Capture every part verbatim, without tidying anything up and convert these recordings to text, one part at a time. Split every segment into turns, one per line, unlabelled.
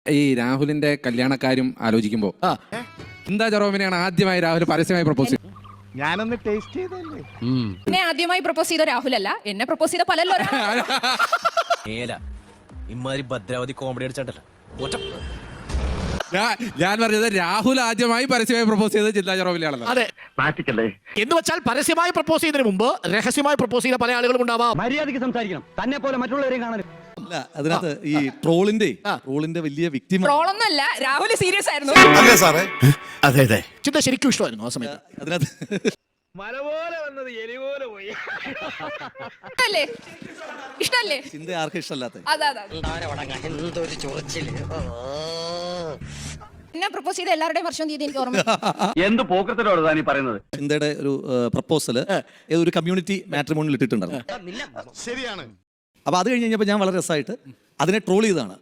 ഈ രാഹുലിന്റെ കല്യാണക്കാര്യം ആലോചിക്കുമ്പോ ചിന്താ ജെറോമിനെയാണ് ആദ്യമായി രാഹുൽ പരസ്യമായി പ്രപ്പോസ് ചെയ്തത്.
ഞാനൊന്ന് ടേസ്റ്റ് ചെയ്തല്ലേ.
എന്നെ ആദ്യമായി പ്രപ്പോസ് ചെയ്ത രാഹുലല്ല, എന്നെ പ്രപ്പോസ് ചെയ്ത പലല്ലോ.
ഇമാതിരി ഭദ്രാവതി കോമഡി അടിച്ചാട്ടല്ല.
ഞാൻ പറഞ്ഞത് രാഹുൽ ആദ്യമായി പരസ്യമായി പ്രപ്പോസ് ചെയ്തത് ചിന്താ ജെറോമിനെയാണല്ലോ.
അതെ,
മാറ്റിക്കല്ലേ
എന്ന് വെച്ചാൽ പരസ്യമായി പ്രപ്പോസ് ചെയ്യുന്നതിന് മുമ്പ് രഹസ്യമായി പ്രപ്പോസ് ചെയ്ത പല ആളുകളും ഉണ്ടാവാം.
മര്യാദയ്ക്ക് സംസാരിക്കണം, തന്നെ പോലെ മറ്റുള്ളവരെയും കാണരുത്.
അല്ല, അതിനകത്ത് ഈ ട്രോളിന്റെ ട്രോളിന്റെ വലിയ വ്യക്തി
ട്രോളൊന്നുമല്ല, രാഹുൽ സീരിയസ് ആയിരുന്നു.
അല്ലേ സാറേ?
അതെ അതെ, ചിന്ത ശരിക്കും ഇഷ്ടമായിരുന്നു ആ സമയത്ത്.
അതിനകത്ത്
മല പോലെ വന്നത് എലി പോലെ പോയി.
ഇഷ്ടല്ലേ ഇഷ്ടല്ലേ
ചിന്ത ആർക്കും ഇഷ്ടമല്ലാത്ത
അതെ അതെ. എന്നെ പ്രപ്പോസ് ചെയ്ത എല്ലാവരുടെയും വർഷം തീയതി എനിക്ക് ഓർമ്മ.
എന്ത് പോക്കത്തിലോട് താനീ പറയുന്നത്?
ചിന്തയുടെ ഒരു പ്രപ്പോസല് ഒരു കമ്മ്യൂണിറ്റി മാട്രിമോണിയിൽ ഇട്ടിട്ടുണ്ടായിരുന്നു.
ശരിയാണ്.
അപ്പൊ അത് കഴിഞ്ഞ് കഴിഞ്ഞപ്പോൾ ഞാൻ വളരെ രസമായിട്ട് അതിനെ ട്രോൾ ചെയ്തതാണ്.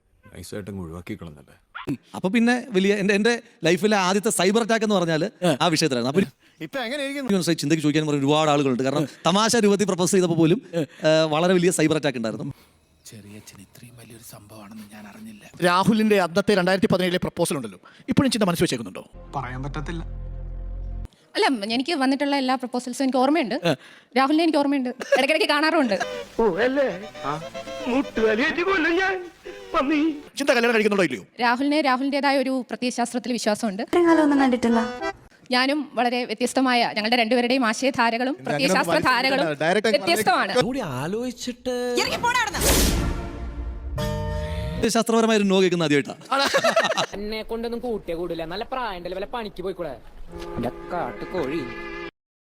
അപ്പൊ പിന്നെ വലിയ എന്റെ എന്റെ ലൈഫിലെ ആദ്യത്തെ സൈബർ അറ്റാക്ക് എന്ന് പറഞ്ഞാൽ ആ വിഷയത്തിലായിരുന്നു. അപ്പൊ
ഇപ്പൊ എങ്ങനെയായിരിക്കും
ചിന്തയ്ക്ക് ചോദിക്കാൻ പറഞ്ഞ ഒരുപാട് ആളുകളുണ്ട്. കാരണം തമാശ രൂപത്തിൽ പ്രപ്പോസ് ചെയ്തപ്പോൾ പോലും വളരെ വലിയ സൈബർ അറ്റാക്ക് ഉണ്ടായിരുന്നു.
ചെറിയച്ഛൻ ഇത്രയും വലിയൊരു സംഭവമാണെന്ന് ഞാൻ അറിഞ്ഞില്ല. രാഹുലിന്റെ അന്നത്തെ രണ്ടായിരത്തി പതിനേഴിലെ പ്രപ്പോസൽ ഉണ്ടല്ലോ, ഇപ്പോഴും ചിന്ത മനസ്സ് വെച്ചേക്കുന്നുണ്ടോ?
പറയാൻ പറ്റത്തില്ല.
അല്ല, എനിക്ക് വന്നിട്ടുള്ള എല്ലാ പ്രപ്പോസൽസും എനിക്ക് ഓർമ്മയുണ്ട്. രാഹുലിനെ എനിക്ക് ഓർമ്മയുണ്ട്, ഇടയ്ക്കിടയ്ക്ക് കാണാറുണ്ട്.
ചിന്ത കല്യാണം കഴിക്കുന്നുണ്ടോ ഇല്ലയോ?
രാഹുലിന് രാഹുലിൻ്റെതായ ഒരു പ്രത്യയശാസ്ത്രത്തിൽ വിശ്വാസമുണ്ട്.
കാലമൊന്നും കണ്ടിട്ടില്ല.
ഞാനും വളരെ വ്യത്യസ്തമായ, ഞങ്ങളുടെ രണ്ടുപേരുടെയും ആശയധാരകളും പ്രത്യയശാസ്ത്ര ധാരകളും വ്യത്യസ്തമാണ്.
ആലോചിച്ചിട്ട്
ശാസ്ത്രപരമായ ഒരു നോ കേൾക്കുന്ന ആദ്യമായിട്ടാണ്.
എന്നെ കൊണ്ടൊന്നും കൂട്ടിയേ കൂടില്ല. നല്ല പ്രായം വല്ല പണിക്ക് പോയിക്കൂടെ? കാട്ടുകോഴി.